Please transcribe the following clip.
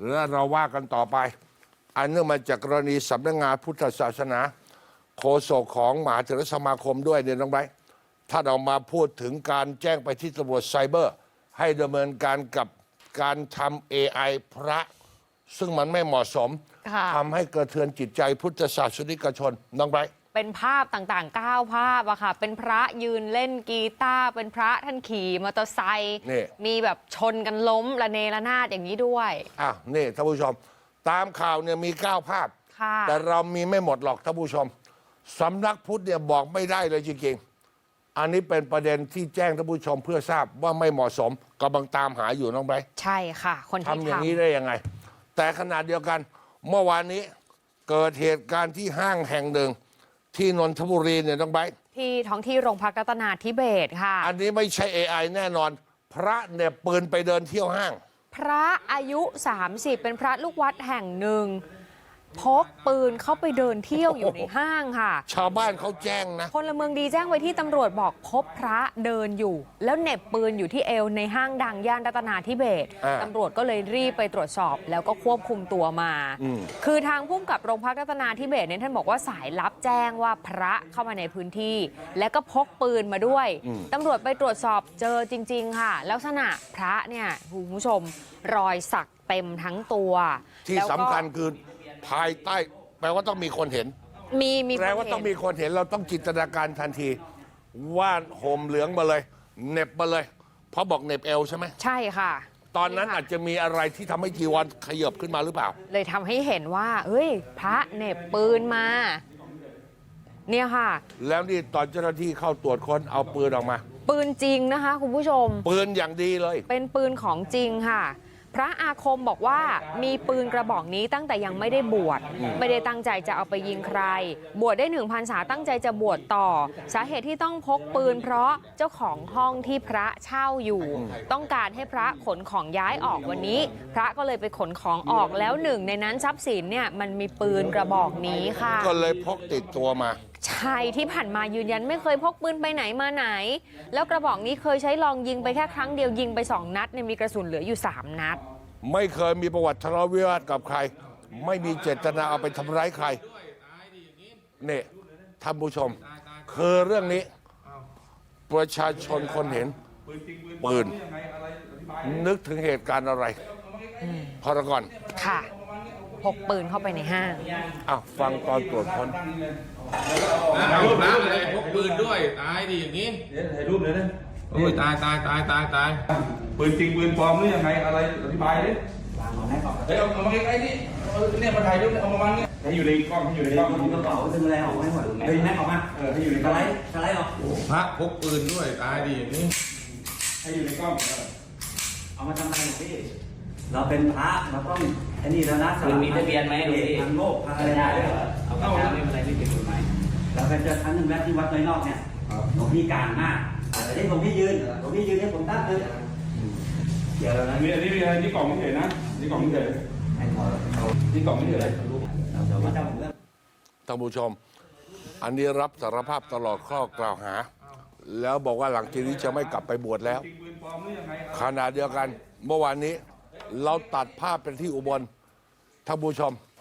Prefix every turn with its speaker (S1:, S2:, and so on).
S1: และเราว่ากันต่อไป อันเนื่องมาจากกรณีสำนักงานพุทธศาสนาโฆษกของมหาเถรสมาคมด้วยเนี่ยน้องไบร์ทถ้าเรามาพูดถึงการแจ้งไปที่ตำรวจไซเบอร์ ให้ดำเนินการกับการทำ AI พระ ซึ่งมันไม่เหมาะสมทำให้กระเทือนจิตใจพุทธศาสนิกชนน้องไบร์ท
S2: เป็นภาพต่างๆ9ภาพอะค่ะเป็นพระยืนเล่นกีตาร์เป็นพระท่านขี่มอเตอร์ไซค์มีแบบชนกันล้มระเนระนาดอย่างนี้ด้วย
S1: นี่ท่านผู้ชมตามข่าวเนี่ยมี9ภาพแต่เรามีไม่หมดหรอกท่านผู้ชมสำนักพุทธเนี่ยบอกไม่ได้เลยจริงๆอันนี้เป็นประเด็นที่แจ้งท่านผู้ชมเพื่อทราบว่าไม่เหมาะสมกำลังตามหาอยู่น้องไบร์ท
S2: ใช่ค่ะคนที่
S1: ทำอย่างนี้ได้ยังไงแต่ขณะเดียวกันเมื่อวานนี้เกิดเหตุการณ์ที่ห้างแห่งหนึ่งที่นนทบุรีเนี่ยน้องไบร์ท
S2: ที่ท้องที่โรงพักรัตนาธิเบศรค่ะ
S1: อันนี้ไม่ใช่ AI แน่นอนพระเนี่ยปืนไปเดินเที่ยวห้าง
S2: พระอายุ30เป็นพระลูกวัดแห่งหนึ่งพกปืนเข้าไปเดินเที่ยวอยู่ในห้างค่ะ
S1: ชาวบ้านเขาแจ้งนะ
S2: พลเมืองดีแจ้งไว้ที่ตำรวจบอกพบพระเดินอยู่แล้วเหน็บปืนอยู่ที่เอวในห้างดังย่านรัตนาธิเบศรตำรวจก็เลยรีบไปตรวจสอบแล้วก็ควบคุมตัวมาคือทางผู้กำกับโรงพักรัตนาธิเบศรเนี่ยท่านบอกว่าสายลับแจ้งว่าพระเข้ามาในพื้นที่และก็พกปืนมาด้วยตำรวจไปตรวจสอบเจอจริงๆค่ะลักษณะพระเนี่ยคุณผู้ชมรอยสักเต็มทั้งตัว
S1: ที่สำคัญคือภายใต้แปลว่าต้องมีคนเห็น
S2: มี
S1: แปลว่าต้องมีคนเห็นเราต้องจินตนาการทันทีว่าห่มเหลืองมาเลยเหน็บมาเลยเพราะบอกเหน็บเอวใช่ไหม
S2: ใช่ค่ะ
S1: ตอนนั้นอาจจะมีอะไรที่ทำให้จีวรขยับขึ้นมาหรือเปล่า
S2: เลยทำให้เห็นว่าเฮ้ยพระเหน็บปืนมาเนี่ยค่ะ
S1: แล้วนี่ตอนเจ้าหน้าที่เข้าตรวจค้นเอาปืนออกมา
S2: ปืนจริงนะคะคุณผู้ชม
S1: ปืนอย่างดีเลย
S2: เป็นปืนของจริงค่ะพระอาคมบอกว่ามีปืนกระบอกนี้ตั้งแต่ยังไม่ได้บวชไม่ได้ตั้งใจจะเอาไปยิงใครบวชได้1 พรรษาตั้งใจจะบวชต่อสาเหตุที่ต้องพกปืนเพราะเจ้าของห้องที่พระเช่าอยู่ต้องการให้พระขนของย้ายออกวันนี้พระก็เลยไปขนของออกแล้วหนึ่งในนั้นทรัพย์สินเนี่ยมันมีปืนกระบอกนี้ค่ะ
S1: ก็เลยพกติดตัวมา
S2: ใช่ที่ผ่านมายืนยันไม่เคยพกปืนไปไหนมาไหนแล้วกระบอกนี้เคยใช้ลองยิงไปแค่ครั้งเดียวยิงไป2 นัดเนี่ยมีกระสุนเหลืออยู่3 นัด
S1: ไม่เคยมีประวัติทะเลาะวิวาทกับใครไม่มีเจตนาเอาไปทำร้ายใครนี่ท่านผู้ชมคือเรื่องนี้ประชาชนคนเห็นปืนนึกถึงเหตุการณ์อะไรพรก่อน
S2: ค่ะพกปืนเข้าไปในห้าง
S1: ฟังตอนตรวจค้น
S3: ถ่ายรูปน้ำเลยพกปืนด้วยตายดิอย่างนี้
S4: ถ่ายรูปเลยนะ
S3: โอ้ยตาย
S4: ปืนจริงปืนปลอมหรือยังไงอะไรอธิบายดิเอามาใกล้ๆนี่เนี่ยมาถ่ายรูปเอามามันเนี่ยให้อยู่ในกล้องให้อยู่ในกล้อง
S5: กระเป๋าดึงอะไรออกไม่หมดดึงแม็กออกมา
S4: ให้อยู่ในกล้อง
S5: สไลด์ออก
S3: พระพกปืนด้วยตายดิอย่างนี้
S4: ให้อยู่ในกล้อง
S5: เอามาทำอะไรพี่เราเป็นพระเราต้องไอ้นี่แล้วนะ
S6: มีทะเบียนไหมดูดิ
S5: ทางโลกอะไรได้
S6: เอาเข้าไม่เป็นไรไม่ผิดกฎหมาย
S5: เราไปเจอครั้งหนึ่งแวะที่วัดน้อยนอกเนี่ยหลวงพี่กลางมากแต่ที่ผมพี่ยืนให้ผมตั้งเลย
S4: เดี๋ยวนะนี่กล่องไม่เฉยนะนี่กล่องไม่เฉยนี่กล่องไม่เฉย
S1: ท่านผู้ชมอันนี้รับสารภาพตลอดข้อกล่าวหาแล้วบอกว่าหลังจากนี้จะไม่กลับไปบวชแล้วขณะเดียวกันเมื่อวานนี้เราตัดภาพเป็นที่อุบลท่านผู้ชม